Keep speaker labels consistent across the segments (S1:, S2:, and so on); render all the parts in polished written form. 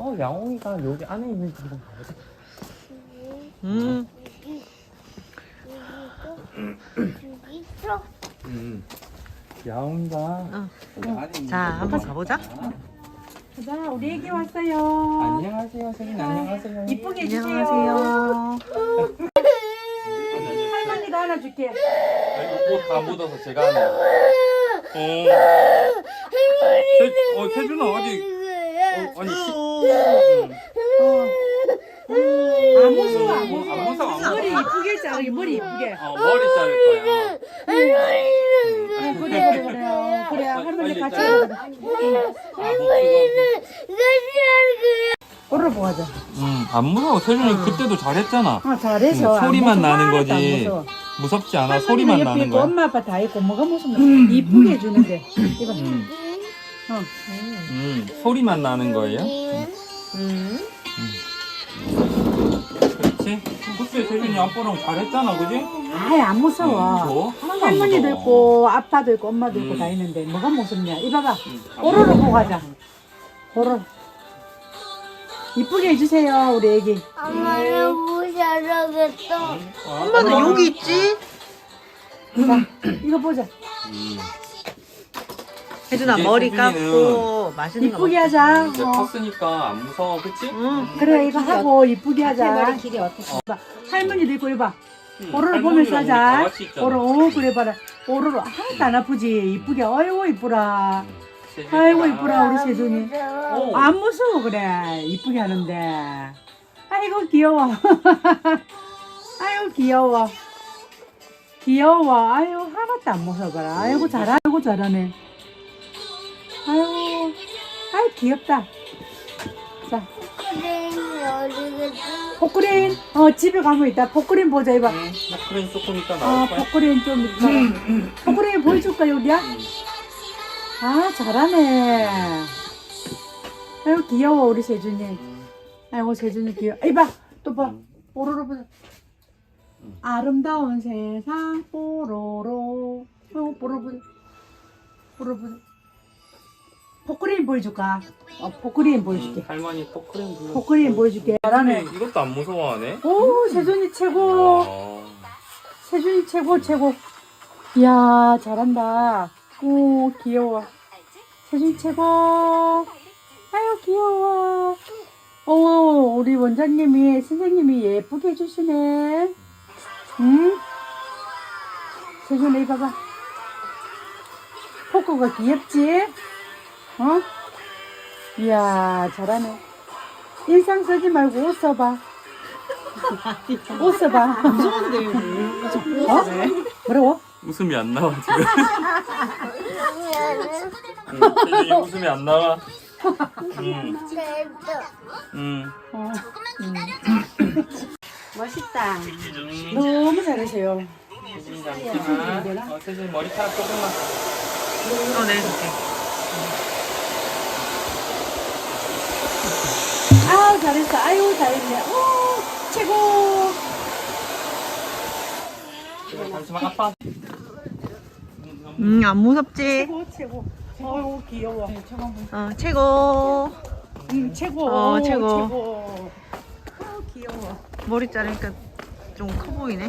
S1: 야옹이가 여기 안에 있는지 한번 가보자.
S2: 여기 있어.
S1: 야옹이가 여기 안에 있는
S3: 자, 한번 가보자.
S4: 자, 우리 애기 왔어요.
S1: 안녕하세요, 세긴 안녕하세요.
S4: 이쁘게 해주세요.
S3: 안녕하세요.
S4: 할머니가 하나 줄게.
S1: 옷 다 묻어서 제가 하네요. 태준아 아직 아니
S4: 안 무서워, 안
S1: 안
S4: 무서워.
S1: 무서워, 안
S4: 머리
S1: 무서워.
S4: 이쁘게 자르게, 머리 이쁘게.
S1: 머리 자를 거야.
S4: 그래, 할머니 같이
S1: 빨리
S4: 가자. 오르러 가자.
S1: 안 무서워. 태준이 그때도 잘했잖아.
S4: 잘해서.
S1: 소리만
S4: 안 무서워.
S1: 나는
S4: 하나도 안
S1: 거지.
S4: 무서워.
S1: 무섭지 않아.
S4: 할머니가
S1: 소리만
S4: 옆에
S1: 나는
S4: 있고
S1: 거야.
S4: 엄마 아빠 다 있고 뭐가 무섭냐. 이쁘게 해주는데. 이거.
S1: 소리만 나는 거예요? 그렇지? 그때 태준이 아빠랑 잘했잖아, 그지?
S4: 아이, 안 무서워.
S1: 하나도 안
S4: 할머니도
S1: 무서워.
S4: 있고 아빠도 있고 엄마도 있고 다 있는데 뭐가 무섭냐. 이봐봐. 오로로 보고 가자. 오로로. 이쁘게 해주세요 우리 애기.
S2: 엄마는 못 살아겠어.
S3: 엄마는 여기 있지?
S4: 자, 이거 보자.
S3: 혜준아,
S1: 이제
S3: 머리
S1: 수빈이는
S3: 감고 맛있는 거
S4: 이쁘게
S3: 먹자.
S4: 하자.
S1: 이제 컸으니까 안 무서워, 그치?
S4: 그래, 이거 하고 이쁘게 하자.
S2: 머리 길이 어떻게?
S4: 봐. 할머니도 있고 이봐. 오로로
S1: 할머니랑
S4: 보면서
S1: 우리 다
S4: 하자.
S1: 같이 있잖아.
S4: 오로로 그래 봐라. 오로로 하나도 안 아프지. 이쁘게. 아이고 이쁘라. 아이고 이쁘라 우리 세준이. 안 무서워 그래. 이쁘게 하는데. 아이고 귀여워. 아이고 귀여워. 귀여워. 아이고 하나도 안 무서워라. 아이고 아이고 잘하네. 아이고 아이 귀엽다. 자
S2: 그래, 어디겠지?
S4: 포크레인 집에 가면 있다. 포크레인 보자 이봐.
S1: 그래 조금 이따 나올 거야.
S4: 포크레인 좀 있다. 포크레인 보여줄까 여기야? 잘하네. 아이고 귀여워 우리 세준이. 아이고 세준이 귀여워. 이봐 또 봐. 뽀로로 보자. 아름다운 세상 뽀로로. 아이고 뽀로로 보자. 뽀로로 보자. 포크레인 보여줄까? 포크레인 보여줄게.
S1: 할머니 포크레인 불러.
S4: 포크레인 보여줄게. 잘하네.
S1: 이것도 안 무서워하네.
S4: 오 세준이 최고. 세준이 최고. 이야 잘한다. 오 귀여워. 세준이 최고. 아유 귀여워. 오 우리 원장님이 선생님이 예쁘게 해주시네. 응? 세준이 봐봐. 포크가 귀엽지? 이야 잘하네. 인상 쓰지 말고 옷 써봐. 옷 써봐.
S3: 무서운데,
S4: 뭐라고?
S1: 웃음이 안 나와 지금. 태준이 웃음이 안 나와.
S4: 멋있다. 너무 잘하세요.
S1: 태준이 잠시만. 태준이 머리카락 조금만.
S3: 내줄게.
S4: 아우 잘했어. 아유 잘했네. 오 최고.
S1: 잠시만 아빠.
S3: 안 무섭지?
S4: 최고. 어우 귀여워.
S3: 최고.
S4: 최고.
S3: 최고.
S4: 아우 귀여워.
S3: 머리 자르니까 좀 커 보이네.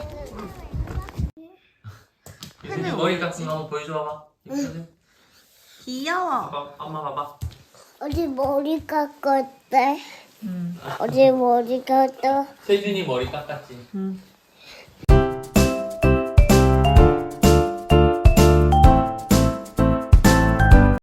S1: 태준이 머리 같은 거 한번 보여줘 봐봐.
S3: 귀여워.
S1: 엄마 봐봐.
S2: 어디 머리 깎았대? 어디 머리 깎았어?
S1: 태준이 머리 깎았지.